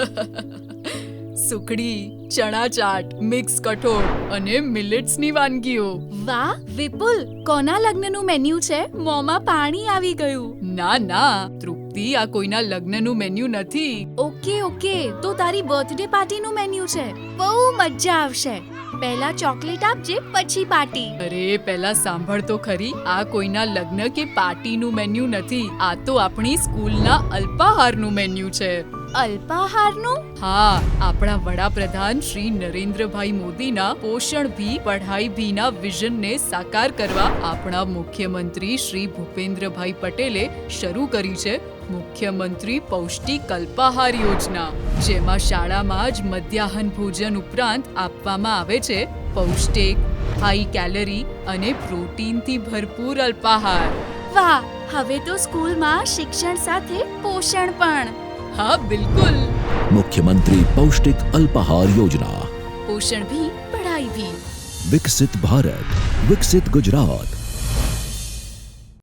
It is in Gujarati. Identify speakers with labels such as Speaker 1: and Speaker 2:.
Speaker 1: સુખડી, ચણા ચાટ, મિક્સ કઠોળ અને મિલેટ્સની વાનગીઓ.
Speaker 2: વાહ વિપુલ, કોના લગ્નનું મેન્યુ છે? મોંમાં પાણી આવી ગયું.
Speaker 1: ના તૃપ્તિ, આ કોઈના લગ્નનું મેન્યુ નથી.
Speaker 2: ઓકે, તો તારી બર્થડે પાર્ટીનું મેન્યુ છે. બહુ મજા આવશે. પહેલા ચોકલેટ આપજે, પછી પાર્ટી.
Speaker 1: અરે પહેલા સાંભળ તો ખરી, આ કોઈના લગ્ન કે પાર્ટીનું મેન્યુ નથી. આ તો આપણી સ્કૂલના અલ્પાહારનું મેન્યુ છે.
Speaker 2: અલ્પાહારનું?
Speaker 1: હા, આપણા વડાપ્રધાન શ્રી નરેન્દ્રભાઈ મોદીના પોષણ ભી પઢાઈ ભીના વિઝનને સાકાર કરવા આપણા મુખ્યમંત્રી શ્રી ભૂપેન્દ્રભાઈ પટેલે શરૂ કરી છે મુખ્યમંત્રી પૌષ્ટિક અલ્પાહાર યોજના, જેમાં શાળામાં જ મધ્યાહન ભોજન ઉપરાંત આપવામાં આવે છે પૌષ્ટિક, હાઈ કેલરી અને પ્રોટીનથી ભરપૂર અલ્પાહાર.
Speaker 2: વાહ, હવે તો સ્કૂલમાં શિક્ષણ સાથે પોષણ પણ.
Speaker 1: હા બિલકુલ.
Speaker 3: मुख्यमंत्री पौष्टिक अल्पाहार योजना.
Speaker 1: પોષણ ભી પઢાઈ ભી.
Speaker 3: विकसित भारत, विकसित गुजरात.